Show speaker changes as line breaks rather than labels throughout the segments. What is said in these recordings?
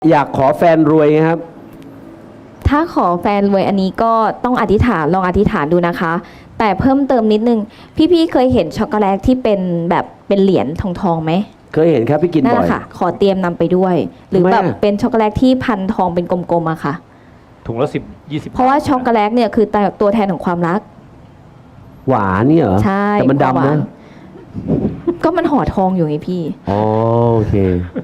อยากขอแฟนรวยครับ
ถ้าขอแฟนรวยอันนี้ก็ต้องอธิษฐานลองอธิษฐานดูนะคะ แต่เพิ่มเติมนิดนึงพี่ๆเคยเห็นช็อกโกแลตที่เป็นแบบเป็นเหรียญทองไหม
เคยเห็นครับพี่กินบ่อยนั่นแหละ
ค่ะขอเตรียมนำไปด้วย หรือแบบเป็นช็อกโกแลตที่พันทองเป็นกลมๆอะค่ะ
ถุงละ10-20
เพราะว่าช็อกโกแลตเนี่ยคือตัวแทนของความรัก
หวานนี่เหรอ
ใช่
แต่มันดำนะ
ก็มันห่อทองอยู่ไงพี่
อ๋อโอเค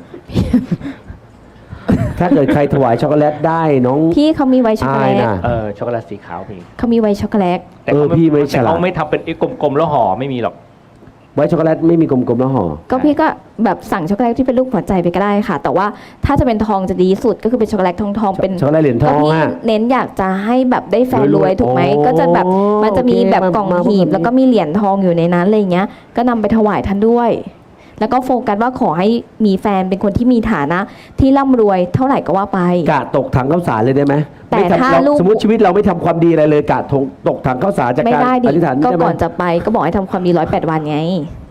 ถ้าเกิดใครถวายช็อกโกแลตได้น้อง
พี่เขามีไว้ช็อกโกแลต
ช็อกโกแลตสีขาวพี่
เขามีไว้ช็อกโกแลต
แต่เขาไม่ทำเป็นกลมๆแล้วห่อไม่มีหรอก
ไว้ช็อกโกแลตไม่มีกลมๆแล้วห่อ
ก็พี่ก็แบบสั่งช็อกโกแลตที่เป็นรูปหัวใจไปก็ได้ค่ะแต่ว่าถ้าจะเป็นทองจะดีสุดก็คือเป็นช็อกโกแลตทองเป็น
ช็อกโกแลตเหรียญทอง
พี่เน้นอยากจะให้แบบได้แฟนรวยถูกไหมก็จะแบบมันจะมีแบบกล่องหีบแล้วก็มีเหรียญทองอยู่ในนั้นอะไรเงี้ยก็นำไปถวายท่านด้วยแล้วก็โฟกัสว่าขอให้มีแฟนเป็นคนที่มีฐานะที่ร่ำรวยเท่าไหร่ก็ว่าไป
กะตกถังข้าวสารเลยได้ไหม
แต่ถ้าลูก
สมมติชีวิตเราไม่ทำความดีอะไรเลยกะตกถังข้าวสารจากการอธิษฐาน
ก็ก่อนจะไปก็บอกให้ทำความดี108 วันไง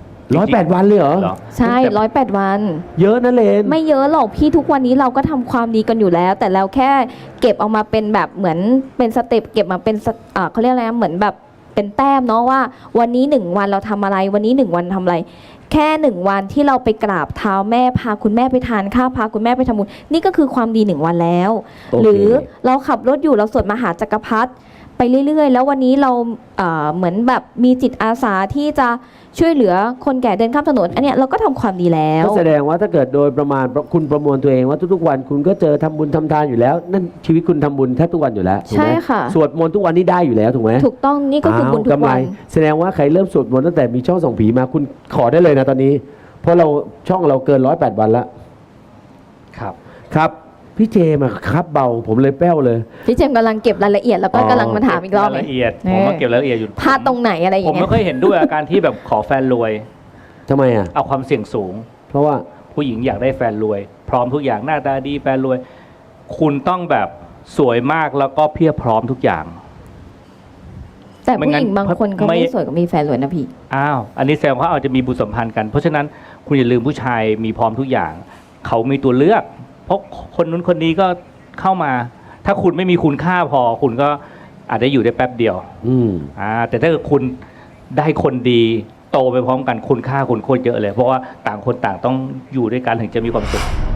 108 วันเลยเหรอ
ใช่108 วัน
เยอะนะเลน
ไม่เยอะหรอกพี่ทุกวันนี้เราก็ทำความดีกันอยู่แล้วแต่เราแค่เก็บเอามาเป็นแบบเหมือนเป็นสเต็ปเก็บมาเป็นเขาเรียกอะไรเหมือนแบบเป็นแต้มเนาะว่าวันนี้1 วันเราทำอะไรวันนี้1 วันทำอะไรแค่1 วันที่เราไปกราบเท้าแม่พาคุณแม่ไปทานข้าวพาคุณแม่ไปทำบุญนี่ก็คือความดี1 วันแล้วหรือเราขับรถอยู่เราสวดมหาจักรพรรดิไปเรื่อยๆแล้ววันนี้เราเหมือนแบบมีจิตอาสาที่จะช่วยเหลือคนแก่เดินข้ามถนนอันเนี้ยเราก็ทำความดีแล้ว
ก็แสดงว่าถ้าเกิดโดยประมาณคุณประมวลตัวเองว่าทุกๆวันคุณก็เจอทำบุญทำทานอยู่แล้วนั่นชีวิตคุณทำบุญแทบทุกวันอยู่แล้วถูกไหม
ใช่ค่ะ
สวดมนต์ทุกวันนี้ได้อยู่แล้วถูกไหม
ถูกต้องนี่ก็คือบุญทุกวัน
แสดงว่าใครเริ่มสวดมนต์ตั้งแต่มีช่องส่องผีมาคุณขอได้เลยนะตอนนี้เพราะเราช่องเราเกิน108 วันแล้วครับพี่เจมาครับเบาผมเลยแป้วเลย
พี่เจมกำลังเก็บรายละเอียดแล้วก็กำลังมาถามอีกรอบ
รายละเอียดผมมาเก็บรายละเอียดอยู่
พลาดตรงไหนอะไรอย่าง
เงี้ยผมไม่เคยเห็นด้วยอาการที่แบบขอแฟนรวย
ทำไมอ่ะ
เอาความเสี่ยงสูง
เพราะว่า
ผู้หญิงอยากได้แฟนรวยพร้อมทุกอย่างหน้าตาดีแฟนรวยคุณต้องแบบสวยมากแล้วก็เพียบพร้อมทุกอย่าง
แต่ผู้หญิงบางคนเขาไม่สวยก็มีแฟนรวยนะพี่
อันนี้แสดงว่าอาจจะมีบุตรสัมพันธ์กันเพราะฉะนั้นคุณอย่าลืมผู้ชายมีพร้อมทุกอย่างเขามีตัวเลือกเพราะคนนู้นคนนี้ก็เข้ามาถ้าคุณไม่มีคุณค่าพอคุณก็อาจจะอยู่ได้แป๊บเดียวแต่ถ้าเกิดคุณได้คนดีโตไปพร้อมกันคุณค่าคุณโคตรเยอะเลยเพราะว่าต่างคนต่างต้องอยู่ด้วยกันถึงจะมีความสุข